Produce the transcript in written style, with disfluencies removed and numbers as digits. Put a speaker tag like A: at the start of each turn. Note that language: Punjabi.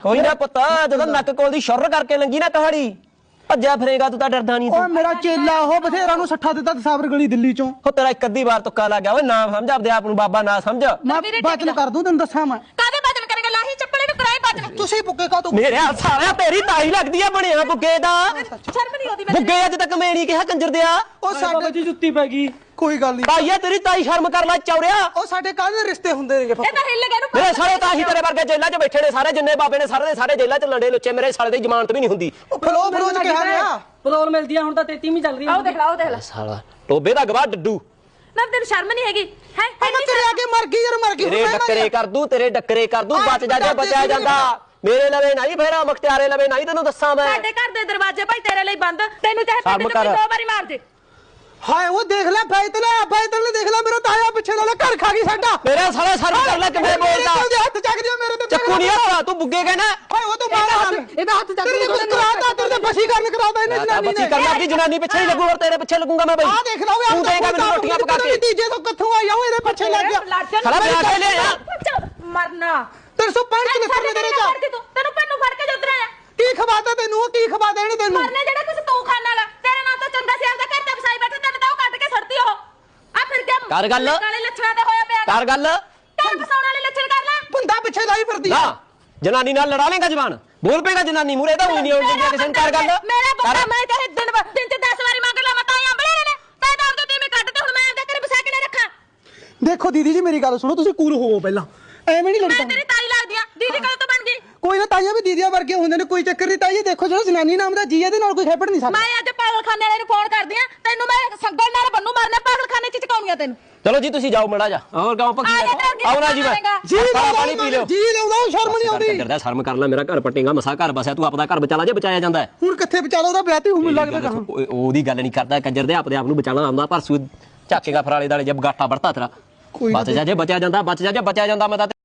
A: ਕੋਈ ਨਾ ਪੁੱਤ ਜਦੋਂ ਨੱਕ ਕੋਲ ਦੀ ਸ਼ੁਰ ਕਰਕੇ ਲੰਗੀ ਨਾ ਕਹਾੜੀ ਭੱਜਿਆ ਫਿਰੇਗਾ ਤੂੰ ਤਾਂ ਡਰਦਾ ਨਹੀਂ
B: ਓਏ ਮੇਰਾ ਚੇਲਾ ਉਹ ਬਥੇਰਾ ਨੂੰ ਸੱਠਾ ਦਿੱਤਾ ਤਸਾਵਰ ਗਲੀ ਦਿੱਲੀ ਚੋਂ
A: ਹੋ ਤੇਰਾ ਇੱਕ ਅੱਧੀ ਵਾਰ ਤੁੱਕਾ ਲੱਗ ਗਿਆ ਓਏ ਨਾ ਸਮਝ ਆਪਦੇ ਆਪ ਨੂੰ ਬਾਬਾ ਨਾ ਸਮਝ
B: ਮੈਂ ਬਚਨ ਕਰ ਦੂੰ ਤੈਨੂੰ ਦੱਸਾਂ ਮੈਂ
C: ਕਾਦੇ ਬਚਨ ਕਰੇਗਾ ਲਾਹੀ ਚੱਪਲੇ ਨੂੰ ਕਰਾਈ ਬਚਨ
B: ਤੁਸੀਂ ਪੁੱਕੇ ਕਾ ਤੂੰ
A: ਮੇਰੇ ਸਾਲਿਆ ਤੇਰੀ ਤਾਈ ਲੱਗਦੀ ਆ ਬਣਿਆ ਬੁੱਗੇ ਦਾ
C: ਸ਼ਰਮ ਨਹੀਂ ਆਉਂਦੀ
A: ਬੁੱਗੇ ਅੱਜ ਤੱਕ ਮੈਂ ਨਹੀਂ ਕਿਹਾ ਕੰਜਰ ਦਿਆ
B: ਉਹ ਸਾਡੇ
D: ਜੀ ਜੁੱਤੀ ਪੈ ਗਈ
B: ਕੋਈ ਗੱਲ ਨਹੀਂ
A: ਤਾਈਆ ਤੇਰੀ ਤਾਈ ਸ਼ਰਮ ਕਰ ਲੈ ਚੌਰਿਆ
B: ਉਹ ਸਾਡੇ ਕਾਹਦੇ ਰਿਸ਼ਤੇ ਹੁੰਦੇ ਨੇਗੇ
C: ਇਹ ਤਾਂ ਹਿੱਲ ਗਿਆ ਨੂੰ
A: ਮੇਰੇ ਸਾਲੇ ਤਾਂ ਹੀ ਤੇਰੇ ਵਰਗੇ ਜੇਲ੍ਹਾਂ 'ਚ ਬੈਠੇ ਨੇ ਸਾਰੇ ਜਿੰਨੇ ਬਾਬੇ ਨੇ ਸਾਰੇ ਦੇ ਸਾਰੇ ਜੇਲ੍ਹਾਂ 'ਚ ਲੰਡੇ ਲੁੱਚੇ ਮੇਰੇ ਸਾਲੇ ਦੀ ਜ਼ਮਾਨਤ ਵੀ ਨਹੀਂ ਹੁੰਦੀ
B: ਉਹ ਫਲੋ ਚ ਕਿਹਾ ਰਿਹਾ
D: ਪਰੋਲ ਮਿਲਦੀ ਆ ਹੁਣ ਤਾਂ 33ਵੀਂ ਚੱਲ ਰਹੀ
C: ਆਓ ਦੇਖ ਲਾ ਉਹ ਦੇਖ ਲੈ
A: ਸਾਲਾ ਟੋਬੇ ਦਾ ਗਵਾਹ ਡੱਡੂ
C: ਨਾ ਤੈਨੂੰ ਸ਼ਰਮ ਨਹੀਂ ਹੈਗੀ ਹੈ
B: ਮੈਂ ਤੇਰੇ ਅੱਗੇ ਮਰ ਗਈ ਯਾਰ ਮਰ ਗਈ
A: ਤੇਰੇ ਡੱਕਰੇ ਕਰ ਦੂੰ ਤੇਰੇ ਡੱਕਰੇ ਕਰ ਦੂੰ ਬਚ ਜਾ ਜੇ ਬਚਿਆ ਜਾਂਦਾ ਮੇਰੇ ਲਵੇ ਨਹੀਂ ਫੇਰਾ ਮੁਖਤਿਆਰੇ ਲਵੇ ਨਹੀਂ ਤੈਨੂੰ ਦੱਸਾਂ ਮੈਂ
C: ਸਾਡੇ ਘਰ ਦੇ ਦਰਵਾਜ਼ੇ ਭਾਈ ਤੇਰੇ ਲਈ ਬੰਦ ਤੈਨੂੰ ਚਾਹੇ
A: ਸ਼ਰਮ
C: ਪਿੰਡ
A: ਕਰ।
C: ਚ 2 ਵਾਰੀ ਮਾਰ ਦੇ
B: ਹਾਏ ਉਹ ਦੇਖ ਲੈ ਫੈਤਲ ਨੇ ਦੇਖ ਲੈ ਮੇਰਾ ਤਾਇਆ ਪਿੱਛੇ ਨਾਲ ਘਰ ਖਾ ਗਈ ਸਾਡਾ
A: ਮੇਰੇ ਸਾਲੇ ਸ਼ਰਮ ਕਰ ਲੈ ਕਿਵੇਂ ਬੋਲਦਾ
B: ਉਹਦੇ ਹੱਥ ਚੱਕ ਦਿਓ ਮੇਰੇ ਤੇ
A: ਚੱਕੂ ਨਹੀਂ ਹੱਥ ਤੂੰ ਬੁੱਗੇ ਕਹਿਣਾ
B: ਓਏ ਉਹ ਤੋਂ ਮਾਰਾ
C: ਇਹਦਾ ਹੱਥ ਚੱਕ
B: ਤੇਰੇ ਕੋਲ ਕਰਾਤਾ ਤੇਰੇ ਬਸੀ ਕਰਨ ਕਰਾਤਾ ਇਹਨੇ ਜਨਾਨੀ
A: ਬੱਚੀ
B: ਨੇ
A: ਕਰ ਲੱਗੀ ਜਨਾਨੀ ਪਿੱਛੇ ਹੀ ਲੱਗੂ ਹੋਰ ਤੇਰੇ ਪਿੱਛੇ ਲੱਗੂਗਾ ਮੈਂ ਬਈ
B: ਆ ਦੇਖ ਲਾ ਓਏ
A: ਤੂੰ ਦੇਗਾ ਮੈਨੂੰ ਰੋਟੀਆਂ ਪਕਾ ਕੇ
B: ਤੀਜੇ ਤੋਂ ਕਿੱਥੋਂ ਆਇਆ ਉਹ ਇਹਦੇ ਪਿੱਛੇ ਲੱਗ ਗਿਆ
A: ਸਾਲਾ ਵਿਆਹ ਕੇ ਲਿਆ
C: ਮਰਨਾ
B: 365 ਲਿਖਣ ਨੇ ਤੇਰੇ ਚ
C: ਤੈਨੂੰ ਪੈਨੂੰ ਫੜ ਕੇ ਜੁੱਤਰਾ ਆ
B: ਕੀ ਖਵਾਤਾ ਤੈਨੂੰ ਕੀ ਖਵਾ ਦੇਣੀ ਤੈਨੂੰ
C: ਮਰਨੇ ਜਿਹੜਾ ਕੁਝ ਤੂੰ ਖਾਣਾਗਾ ਤੇਰੇ ਨਾਲ ਤਾਂ ਚੰਗਾ ਸੀ ਆਪਦਾ ਘਰ ਤੇ ਵਸਾਈ ਬੈਠਾ ਤੈਨੂੰ ਤਾਂ ਉਹ ਕੱਢ ਕੇ ਛੱਡਦੀ ਉਹ ਆ ਫਿਰ ਕੇ
A: ਕਰ ਗੱਲ।
C: ਕਾਲੇ ਲੱਛਣਾਂ ਤੇ ਹੋਇਆ ਪਿਆ
A: ਕਰ ਗੱਲ
C: ਘਰ ਵਸਾਉਣ ਵਾਲੇ ਲੱਛਣ ਕਰ ਲੈ
B: ਬੰਦਾ ਪਿੱਛੇ ਲਾਈ ਫਿਰਦੀ
A: ਨਾ ਜਨਾਨੀ ਨਾਲ ਲੜਾ ਲੇਗਾ ਜ਼ਬਾਨ ਬੋਲ ਪੇਗਾ ਜਨਾਨੀ ਮੂਰੇ ਤਾਂ ਹੋਈ ਨਹੀਂ ਆਉਣ ਦਿੰਦੀ ਕਿਸੇ ਨੂੰ ਕਰ ਗੱਲ
C: ਮੇਰਾ ਬੰਦਾ ਮੈਂ ਚਾਹੇ ਦਿਨ ਚ 10 ਵਾਰੀ ਮੰਗ ਲਾ ਮੈਂ ਤਾਂ ਅੰਬਲੇ ਨੇ ਤੈ ਤਾਂ ਆਪਦੇ ਤੀਵੇਂ ਕੱਢ ਤੇ ਹੁਣ ਮੈਂ ਆਪਦੇ ਘਰੇ ਵਸਾ ਕੇ ਨਾ ਰੱਖਾਂ
B: ਦੇਖੋ ਦੀਦੀ ਜੀ ਮੇਰੀ ਗੱਲ ਸੁਣੋ ਤੁਸੀਂ ਕੂਲ ਹੋਵੋ ਪਹਿਲਾਂ ਐਵੇਂ ਨਹੀਂ
C: ਮੈਂ
B: ਲੜਦਾ
C: ਤੇਰੀ ਤਾਈ ਲੱਗਦੀ ਆ ਦੀਦੀ ਕਦੋਂ ਤੋਂ ਬਣ ਗਈ
B: ਕੋਈ ਨਾ ਤਾਈਆਂ ਵੀ ਦੀਦੀਆਂ ਵਰਗੇ ਹੁੰਦੇ ਨੇ ਕੋਈ ਚੱਕਰ ਨਹੀਂ ਤਾਈਏ ਦੇਖੋ ਜਿਹੜਾ ਜਨਾਨੀ ਨਾਮ ਦਾ ਜੀ ਇਹਦੇ ਨਾਲ ਕੋਈ ਖੇਪੜ ਨਹੀਂ ਸਕਦਾ
C: ਮੈਂ ਅੱਜ ਪਾਗਲਖਾਨੇ ਵਾਲੇ ਨੂੰ ਫੋਨ ਕਰਦੀ ਆ ਤੈਨੂੰ ਮੈਂ ਸੰਗਲ ਨਾਲ ਬੰਨੂ ਮਾਰਨਾ ਪਾਗਲਖਾਨੇ ਚ ਚਕਾਉਣੀਆਂ ਤੈਨੂੰ
A: ਚਲੋ ਜੀ ਤੁਸੀਂ ਜਾਓ ਮੜਾ ਜਾ ਹੋਰ ਗਾਉਂ ਪੱਕੀ ਆਓ ਨਾ ਜੀ
B: ਜੀ
A: ਪਾਣੀ ਪੀ ਲਿਓ
B: ਜੀ ਲਾਉਂਦਾ ਸ਼ਰਮ ਨਹੀਂ ਆਉਂਦੀ
A: ਕਰਦਾ ਸ਼ਰਮ ਕਰ ਲੈ ਮੇਰਾ ਘਰ ਪਟੇਗਾ ਮਸਾ ਘਰ ਬਸਿਆ ਤੂੰ ਆਪਦਾ ਘਰ ਬਚਾ ਜੇ ਬਚਾਇਆ ਜਾਂਦਾ
B: ਹੁਣ ਕਿੱਥੇ ਵਿਚਾਲਾ ਉਹਦਾ ਵਿਆਹ ਤੇ ਹੁਣ ਲੱਗਦਾ ਕਹਾਂ
A: ਉਹਦੀ ਗੱਲ ਨਹੀਂ ਕਰਦਾ ਕੰਜਰ ਦੇ ਆਪਦੇ ਆਪ ਨੂੰ ਬਚਾਣਾ ਆਉਂਦਾ ਪਰਸੂ ਝਾਕੇਗਾ ਫਰਾਲੇ ਦਾਲੇ ਜਬ ਗਾਟਾ ਵੜਤਾ ਤੇਰਾ ਬਚ ਜਾ ਜੇ ਬਚਿਆ ਜਾਂਦਾ ਮੈਂ ਤਾਂ